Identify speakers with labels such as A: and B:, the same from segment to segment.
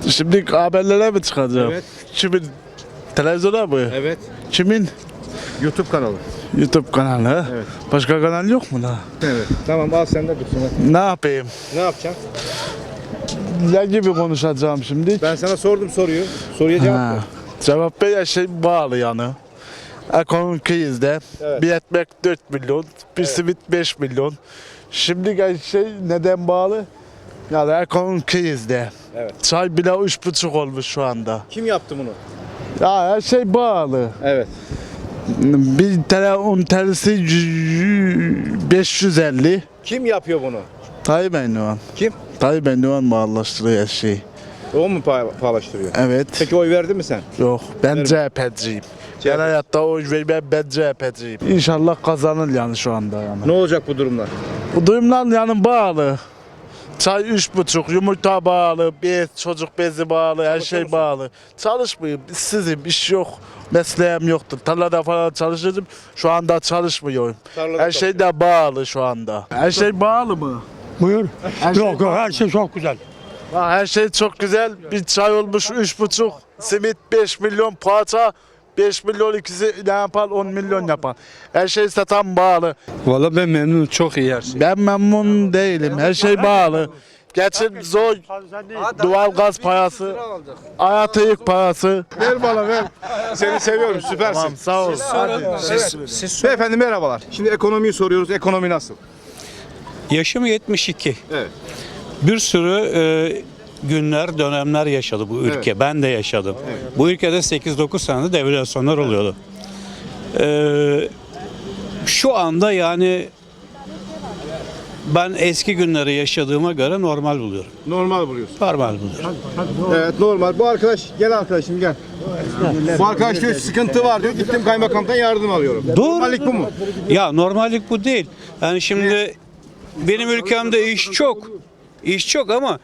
A: Şimdi haberlere mi çıkacağım?
B: Evet.
A: Kimin? Televizyona mı?
B: Evet.
A: Kimin?
B: YouTube kanalı.
A: YouTube kanalı.
B: Evet.
A: Başka kanal yok mu la?
B: Evet. Tamam al sen de dursun.
A: Ne yapayım?
B: Ne yapacaksın?
A: Ne gibi konuşacağım şimdi?
B: Ben sana sordum soruyu. Soruya cevap
A: Ha,
B: ver.
A: cevap bir şey bağlı yani. Ekonomik krizde
B: Evet.
A: bir ekmek 4 milyon, bir simit 5 milyon. Şimdi gel şey neden bağlı? Yani ekonomik krizde.
B: Evet.
A: Çay bile 3,5 olmuş şu anda.
B: Kim yaptı bunu?
A: Ya her şey bağlı.
B: Evet.
A: Bir tane un tanesi 550.
B: Kim yapıyor bunu?
A: Tayyip Erdoğan.
B: Kim?
A: Tayyip Erdoğan bağlaştırıyor her şeyi.
B: O mu paylaştırıyor?
A: Evet.
B: Peki oy verdin mi sen?
A: Yok ben
B: Verim.
A: CHP'ciyim. Ben hayatta oy vermem, ben CHP'ciyim. İnşallah kazanır yani şu anda yani.
B: Ne olacak bu durumlar?
A: Bu durumlar yani bağlı. Çay 3,5, yumurta bağlı, bez, çocuk bezi bağlı, her şey bağlı. Çalışmıyorum, işsizim, iş yok, mesleğim yoktur. Tarlada falan çalışıyordum, şu anda çalışmıyorum.
B: Tarlada
A: Her şey de bağlı şu anda. Her şey bağlı mı?
C: Buyur.
A: Her
C: Yok yok her şey çok güzel.
A: Her şey çok güzel. Bir çay olmuş 3,5, simit 5 milyon, poğaça 5 milyon, ikisi ne yapar 10 milyon yapar. Her şey satan bağlı.
C: Valla ben memnunum, çok iyi her şey.
A: Ben memnun değilim. Her şey bağlı. Geçim zor. Doğal gaz parası, hayat yük parası.
B: Ver bana ver. Seni seviyorum süpersin.
A: Tamam sağ ol.
B: Beyefendi merhabalar. Şimdi ekonomiyi soruyoruz. Ekonomi nasıl?
D: Yaşım 72.
B: Evet.
D: Bir sürü günler, dönemler yaşadı bu ülke.
B: Evet.
D: Ben de yaşadım. Bu ülkede 8-9 senede devalüasyonlar oluyordu. Şu anda yani ben eski günleri yaşadığıma göre normal buluyorum.
B: Normal buluyorsun.
D: Normal buluyorum.
B: Evet normal. Bu arkadaş gel arkadaşım gel. Bu arkadaş diyor sıkıntı var diyor. Gittim kaymakamdan yardım alıyorum.
D: Doğru.
B: Normallik bu mu?
D: Ya normallik bu değil. Yani şimdi benim ülkemde iş çok. İş çok ama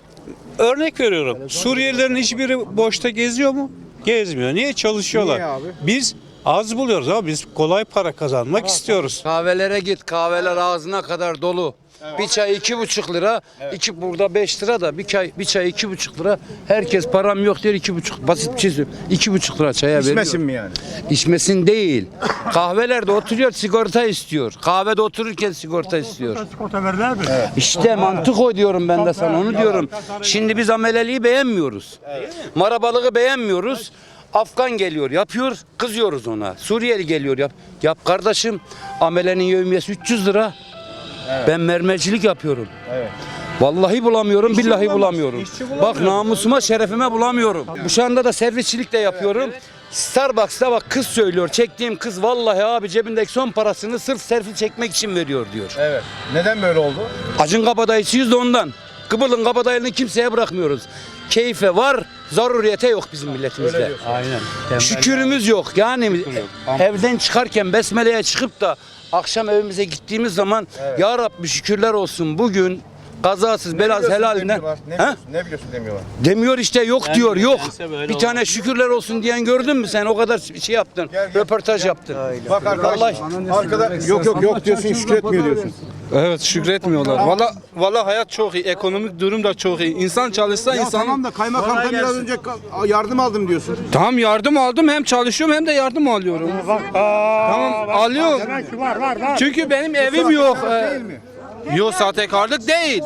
D: örnek veriyorum. Suriyelilerin hiçbiri boşta geziyor mu? Gezmiyor. Niye? Çalışıyorlar.
B: Niye abi?
D: Biz az buluyoruz ama biz kolay para kazanmak istiyoruz.
E: Kahvelere git. Kahveler ağzına kadar dolu. Bir çay 2,5 lira. İki burada 5 lira da bir çay 2,5 lira. Herkes param yok diyor 2,5. Basit bir şey söylüyorum. 2,5 lira çaya veriyor.
B: İçmesin mi yani?
E: İçmesin değil. Kahvelerde oturuyor sigorta istiyor. Kahvede otururken sigorta istiyor.
C: Sigorta verdiler mi?
E: İşte mantık o diyorum ben de sana onu diyorum. Şimdi biz ameleliği beğenmiyoruz. Marabalığı beğenmiyoruz. Afgan geliyor yapıyor kızıyoruz ona. Suriyeli geliyor yap kardeşim amelenin yevmiyesi 300 lira. Ben mermercilik yapıyorum. Vallahi bulamıyorum, billahi bulamıyorum. Bak namusuma, şerefime bulamıyorum. Bu anda da servisçilik de yapıyorum. Starbucks'ta bak kız söylüyor. Çektiğim kız vallahi abi cebindeki son parasını sırf selfie çekmek için veriyor diyor.
B: Evet. Neden böyle oldu?
E: Acın kabadayısıyız da ondan. Kıbıl'ın kabadayılığını kimseye bırakmıyoruz. Keyfe var, zaruriyete yok bizim milletimizde.
D: Aynen.
E: Şükürümüz yok. Yani evden çıkarken besmeleye çıkıp da akşam evimize gittiğimiz zaman ya Rabbi şükürler olsun bugün kazasız belasız helalinden.
B: Ne biliyorsun demiyorlar.
E: Demiyor işte yok diyor yok.
D: nedense böyle
E: Bir tane şükürler olsun diyen gördün mü sen o kadar şey yaptın. Röportaj yaptın.
B: Bak arkadaş arkada yok diyorsun şükretmiyor diyorsun.
F: Evet şükretmiyorlar. Valla hayat çok iyi. Ekonomik durum da çok iyi. İnsan çalışsa
B: Ya
F: insan...
B: tamam da kaymakamdan biraz önce yardım aldım diyorsun.
F: Tamam yardım aldım. Hem çalışıyorum hem de yardım alıyorum. Tamam alıyorum. Çünkü benim evim yok.
B: Değil mi?
F: Yok sahtekarlık değil.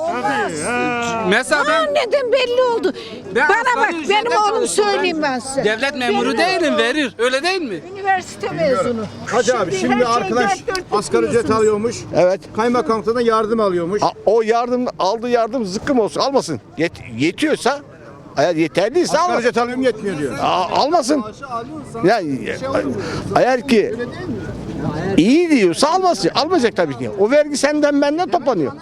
F: Mesela ben
G: Neden belli oldu.
F: Ben
G: Bana bak
F: asgari
G: benim
F: ücretle
G: oğlum
F: çalışıyorum.
G: söyleyeyim ben size.
F: devlet memuru değilim verir. Öyle değil mi?
G: Üniversite mezunu.
B: Hacı abi şimdi
G: her şey
B: arkadaş
G: dört dörtlük
B: asgari ücret
G: biliyorsunuz.
B: alıyormuş.
H: Evet.
B: Kaymakamdan yardım alıyormuş.
H: O yardım aldığı yardım zıkkım olsun almasın. Yetiyorsa eğer yeterliyse
B: Asgari
H: almasın.
B: ücret alıyorum yetmiyor diyor.
H: Almasın. Yani eğer ki iyi diyorsa almasın. Almayacak tabii ki. O vergi senden benden toplanıyor.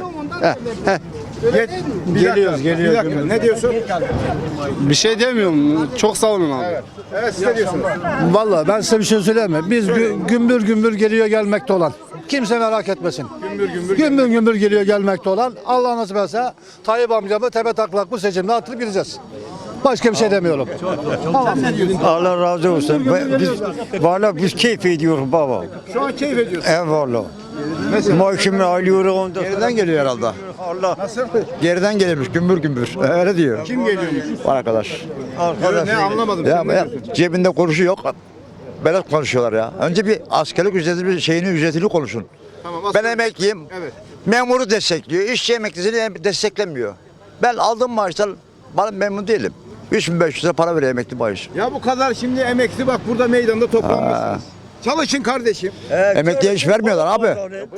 B: Geliyoruz. Bir dakika. Ne diyorsun?
F: Bir şey demiyorum. Çok sağ olun abi.
B: Evet siz ne diyorsunuz?
C: Vallahi ben size bir şey söyleyeyim mi? Biz gümbür gümbür geliyor gelmekte olan. Kimse merak etmesin. Gümbür gümbür geliyor gelmekte olan. Allah nasip etse Tayyip amcamı tepe taklak bu seçimde atılıp gideceğiz. Başka bir şey demiyorum.
I: Allah razı olsun. Biz keyif ediyoruz baba.
B: Şu an keyif ediyorsun.
I: Eyvallah.
B: Mesela
I: Maaşımı alıyorum ondan.
H: Geriden geliyor herhalde.
I: Allah.
B: nasıl?
I: Geriden gelirmiş gümbür gümbür. Öyle diyor.
B: Kim geliyormuş?
I: Var arkadaş.
B: Ne anlamadım.
I: Ya,
B: Sen ne diyorsun?
I: cebinde kuruşu yok. Böyle konuşuyorlar ya. Önce bir askerlik ücretini konuşun.
B: Tamam,
I: Ben emekliyim.
B: Evet.
I: Memuru destekliyor. İşçi emeklisini desteklemiyor. Ben aldığım maaştan memnun değilim. 3500 lira para veriyor emekli maaşı.
B: Ya bu kadar şimdi emekli bak burada meydanda toplanmışsınız. Çalışın kardeşim.
I: Emekliye iş vermiyorlar abi.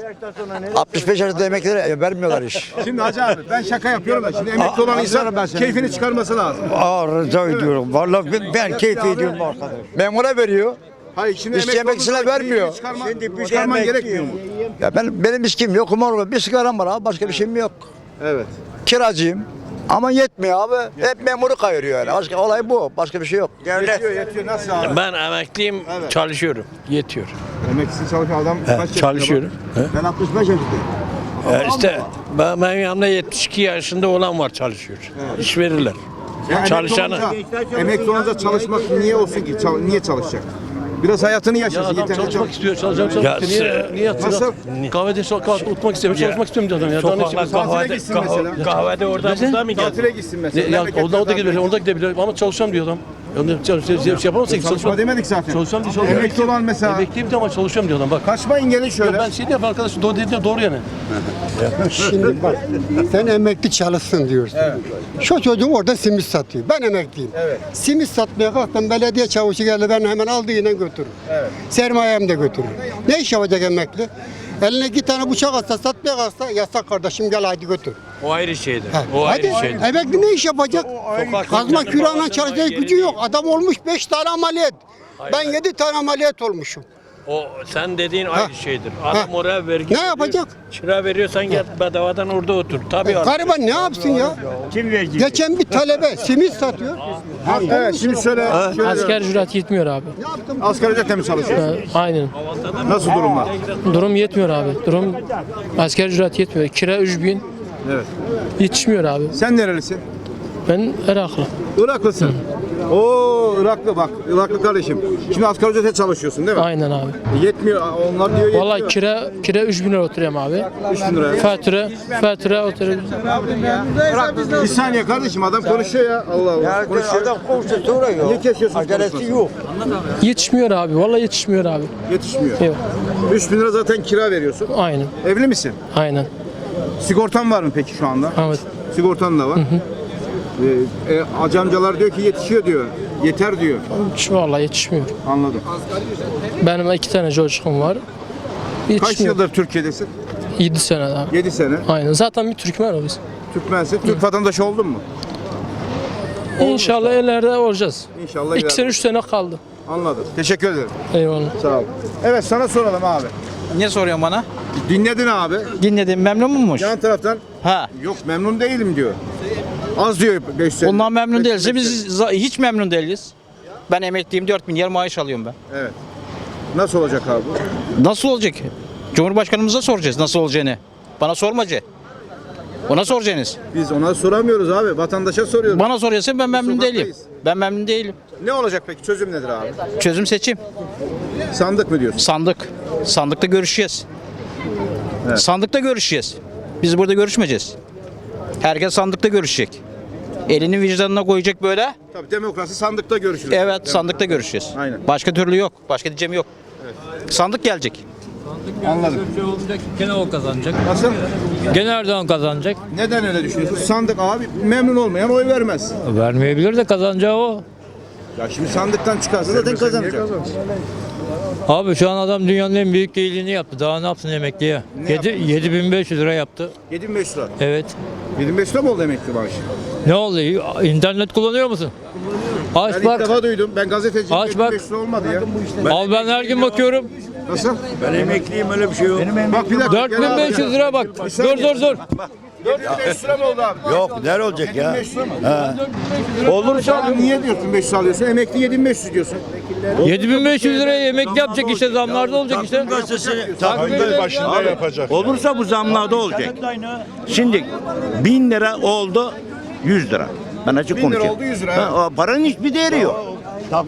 I: 65 yaşında emeklilere vermiyorlar iş.
B: Şimdi Hacı abi ben şaka yapıyorum da şimdi emekli olan insan keyfini çıkarması lazım.
I: Rica ediyorum. Vallahi ben keyif ediyorum arkadaş. Memura veriyor.
B: Hayır şimdi
I: İşçi emeklisine
B: olunca
I: vermiyor.
B: keyfini çıkarman gerekmiyor mu?
I: Ya benim içkim yok, kumar var. Bir sigaram var abi, başka bir şeyim yok.
B: Evet.
I: Kiracıyım. Ama yetmiyor abi. Hep memuru kayırıyor yani. Başka olay bu. Başka bir şey yok.
B: Yetiyor nasıl abi?
J: Ben emekliyim,
B: Evet.
J: çalışıyorum. Yetiyor.
B: Emeklisi çalışan adam kaç yaşında?
J: Çalışıyorum.
B: bak? Ben 65 yaşındayım.
J: İşte benim yanımda 72 yaşında olan var çalışıyor. İş verirler.
B: Ya
J: Çalışanı.
B: emekli olunca çalışmak niye olsun ki? Niye çalışacak? Biraz hayatını yaşasın. yeter,
K: Çalışmak istiyor, çalışacağım.
J: Ya
K: Niye yatıyor?
B: Nasıl?
K: Kahvede oturmak istemiyor, çalışmak istiyorum diyor adam ya. Daha ne
J: Sokaklar
K: istiyorsun?
B: Tatile gitsin mesela.
J: kahvede orada burada mı
B: Tatile gitsin mesela.
K: Ya,
B: Memlekette
K: orada
B: tatile
K: gidebilir, orada gidebilir ama çalışacağım diyor adam. Şey yapamazsın ki
B: Çalışma demedik zaten.
K: Çalışacağım diyor. Çalışacağım.
B: Emekli olan mesela.
K: Emekliyim de ama çalışacağım diyor adam bak.
B: Kaçmayın gelin şöyle.
K: Ben şey diyeyim arkadaş doğru dediğin doğru yani.
C: Şimdi bak sen emekli çalışsın diyorsun. Şu çocuğum orada simit satıyor. Ben emekliyim.
B: Evet.
C: Simit satmaya kalktım belediye çavuşu geldi ben hemen aldığıyla götürürüm.
B: Evet.
C: Sermayem de götürürüm. Ne iş yapacak emekli? Eline 2 tane bıçak atsa satmaya kalksa yasak kardeşim gel hadi götür.
J: O ayrı şeydir.
C: Ha,
J: O
C: hadi
J: ayrı şeydir.
C: emekli ne iş yapacak? Kazma
J: insanın
C: küreğine
J: bağışlanma
C: çalışacak
J: yeri
C: gücü yok.
J: değil.
C: Adam olmuş 5 tane ameliyat. Ben 7 tane ameliyat olmuşum.
J: O sen dediğin ayrı şeydir. Adam oraya vergi
C: Ne yapacak?
J: Kira veriyorsan gel bedavadan orada otur. Tabii artık.
C: Gariban ne yapsın ya? Geçen bir talebe simit satıyor.
B: Evet şimdi şöyle.
F: Asgari ücret yetmiyor abi.
B: Asgari ücretle mi çalışıyorsun?
F: Aynen.
B: Nasıl durumlar?
F: Durum yetmiyor abi. Durum asgari ücret yetmiyor. Kira 3000
B: Evet.
F: yetişmiyor abi.
B: Sen nerelisin?
F: Ben Iraklı.
B: Iraklısın. Oo Iraklı bak. Iraklı kardeşim. Şimdi asgari ücrete çalışıyorsun değil mi?
F: Aynen abi.
B: Yetmiyor. Onlar diyor yetmiyor.
F: Vallahi kira 3000 lira oturuyorum abi.
B: 3000 lira.
F: Fatura oturuyorum.
B: Bir saniye kardeşim adam konuşuyor ya. Allah Allah. Konuşuyor.
I: Adam konuşuyor soruyor.
B: Niye kesiyorsun
I: Acelesi
B: konuşmasını?
I: yok.
F: Yetişmiyor abi. Vallahi yetişmiyor abi.
B: Yetişmiyor.
F: Yok.
B: 3000 lira zaten kira veriyorsun.
F: Aynen.
B: Evli misin?
F: Aynen.
B: Sigortan var mı peki şu anda?
F: Evet.
B: Sigortan da var. Hacı amcalar diyor ki yetişiyor diyor. Yeter diyor.
F: Vallahi yetişmiyor.
B: Anladım.
F: Benim 2 tane çocuğum var.
B: Kaç
F: Yetişmiyor.
B: yıldır Türkiye'desin?
F: 7 sene abi.
B: 7 sene.
F: Aynen. Zaten bir Türkmen o biz.
B: Türkmensin. Türk vatandaşı oldun mu?
F: İnşallah ileride olacağız.
B: İnşallah.
F: 2 sene 3 sene kaldı.
B: Anladım. Teşekkür ederim.
F: Eyvallah.
B: Sağ ol. Evet sana soralım abi.
L: Ne soruyorsun bana?
B: Dinledin abi.
L: Dinledim, memnun muymuş?
B: Yan taraftan
L: Ha.
B: yok memnun değilim diyor. Az diyor 5 sene.
L: Ondan memnun
B: 5
L: değilse
B: sene.
L: biz hiç memnun değiliz. Ben emekliyim, 4000 yer maaş alıyorum ben.
B: Evet. Nasıl olacak abi?
L: Nasıl olacak? Cumhurbaşkanımıza soracağız nasıl olacağını. Bana sormacı. Ona soracaksınız.
B: Biz ona soramıyoruz abi. Vatandaşa soruyoruz.
L: Bana soruyorsan ben memnun değilim.
B: Sokaktayız.
L: Ben memnun değilim.
B: Ne olacak peki? Çözüm nedir abi?
L: Çözüm seçim.
B: Sandık mı diyorsun?
L: Sandık. Sandıkta görüşeceğiz.
B: Evet.
L: Sandıkta görüşeceğiz. Biz burada görüşmeyeceğiz. Herkes sandıkta görüşecek. Elini vicdanına koyacak böyle.
B: Tabii demokrasi sandıkta görüşülür.
L: Evet, sandıkta görüşeceğiz.
B: Aynen.
L: Başka türlü yok. Başka diyeceğim yok. Sandık gelecek.
B: Anladım.
J: Gene o kazanacak.
B: Nasıl?
J: Gene Erdoğan kazanacak.
B: Neden öyle düşünüyorsun? Sandık abi memnun olmayan oy vermez.
J: Vermeyebilir de kazanacağı o.
B: Ya şimdi sandıktan çıkarsa zaten kazanacak.
J: Abi şu an adam dünyanın en büyük iyiliğini yaptı. Daha ne yapsın emekliye? 7500 lira yaptı.
B: 7500 lira.
J: Evet.
B: 7500 lira mı oldu emekli maaşı?
J: Ne oldu? İnternet kullanıyor musun? Aç
B: Ben ilk
J: bak.
B: defa duydum. Ben gazeteciyim.
J: Aç bak.
B: 7500 lira olmadı ya.
J: Al ben her gün bakıyorum.
B: Nasıl?
I: Ben emekliyim öyle bir şey yok.
B: Bak bir dakika.
J: 4500 lira bak. Dur.
B: 4500 lira mı oldu abi?
I: Yok nerede olacak ya?
B: 7500 lira mı? Olursa niye diyorsun 500 alıyorsun? Emekli 7500 diyorsun.
J: 7500 liraya emekli yapacak işte, zamlarda olacak işte.
A: Başında yapacak.
I: Olursa bu zamlarda olacak. Şimdi 1000 lira oldu 100 lira. Ben açık
B: 1000 lira
I: konuşayım.
B: oldu 100 lira,
I: Ha, o paranın hiçbir değeri yok.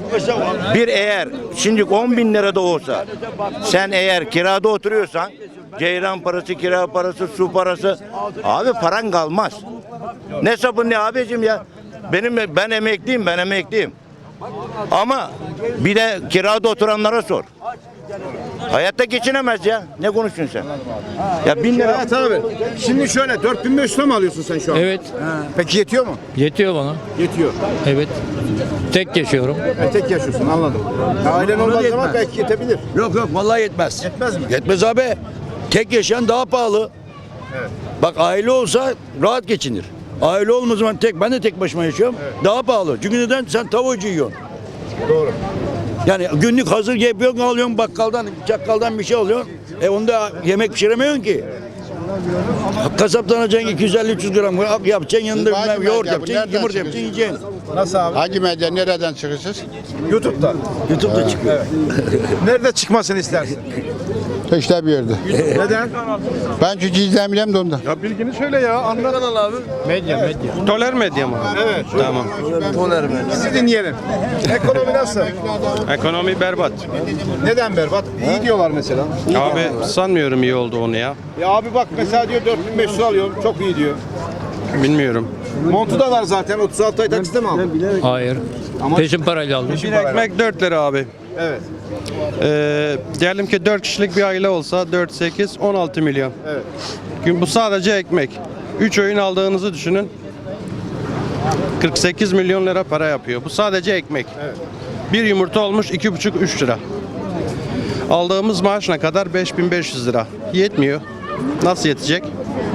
I: Bir eğer şimdi 10 bin lira da olsa sen eğer kirada oturuyorsan
M: Ceyran parası, kira parası, su parası. Abi paran kalmaz. Ne sabun ne abicim ya. Ben emekliyim. Ama bir de kirada oturanlara sor. Hayatta geçinemez ya. Ne konuşuyorsun sen? Ya 1000 lira.
B: Evet abi. Şimdi şöyle 4500 lira mı alıyorsun sen şu an?
J: Evet.
B: Peki yetiyor mu?
J: Yetiyor bana.
B: Yetiyor.
J: Evet. Tek yaşıyorum.
B: Tek yaşıyorsun anladım. Ailen olmadığı zaman belki yetebilir.
K: Yok vallahi yetmez.
B: Yetmez mi?
K: Yetmez abi. Tek yaşayan daha pahalı.
B: Evet.
K: Bak aile olsa rahat geçinir. Aile olmadığı zaman ben de tek başıma yaşıyorum. Daha pahalı. Çünkü neden? Sen tavucu yiyorsun.
B: Doğru.
K: Yani günlük hazır yapıyorsun, alıyorsun bakkaldan, çakkaldan bir şey alıyorsun. Onda yemek pişiremiyorsun ki. Kasaptan alacaksın 250-300 gram yapacaksın, yanında bilmem yoğurt yapacaksın, yumurta yapacaksın, yiyeceksin.
B: Nasıl abi?
H: Hangi medya nereden çıkıyorsunuz?
B: YouTube'da.
K: YouTube'da çıkıyor.
B: Nerede çıkmasını istersin?
H: İşte bir yerde.
B: Neden?
H: Ben çünkü izlemiyorum da ondan.
B: Ya bilgini söyle ya. Anlat. abi.
D: Toler medya mı?
B: Evet.
D: Tamam.
B: Bizi dinleyelim. Ekonomi nasıl?
D: Ekonomi berbat.
B: Neden berbat? İyi diyorlar mesela.
D: Abi sanmıyorum iyi olduğunu ya.
B: Ya abi bak mesela diyor 4500 alıyorum. Çok iyi diyor.
D: Bilmiyorum.
B: Montu da var zaten. 36 ay taksitle mi aldın?
J: Hayır. Peşin parayla aldım.
D: Bir ekmek 4 lira abi.
B: Evet.
D: Diyelim ki 4 kişilik bir aile olsa 4, 8, 16 milyon.
B: Evet.
D: Bu sadece ekmek. 3 öğün aldığınızı düşünün. 48 milyon lira para yapıyor. Bu sadece ekmek.
B: Evet.
D: Bir yumurta olmuş 2,5-3 lira. Aldığımız maaş ne kadar? 5500 lira. Yetmiyor. Nasıl yetecek?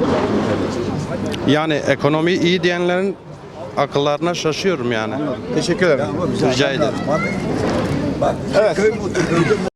D: Yani ekonomi iyi diyenlerin akıllarına şaşıyorum yani.
B: Teşekkür ederim.
D: Rica ederim.
B: Evet.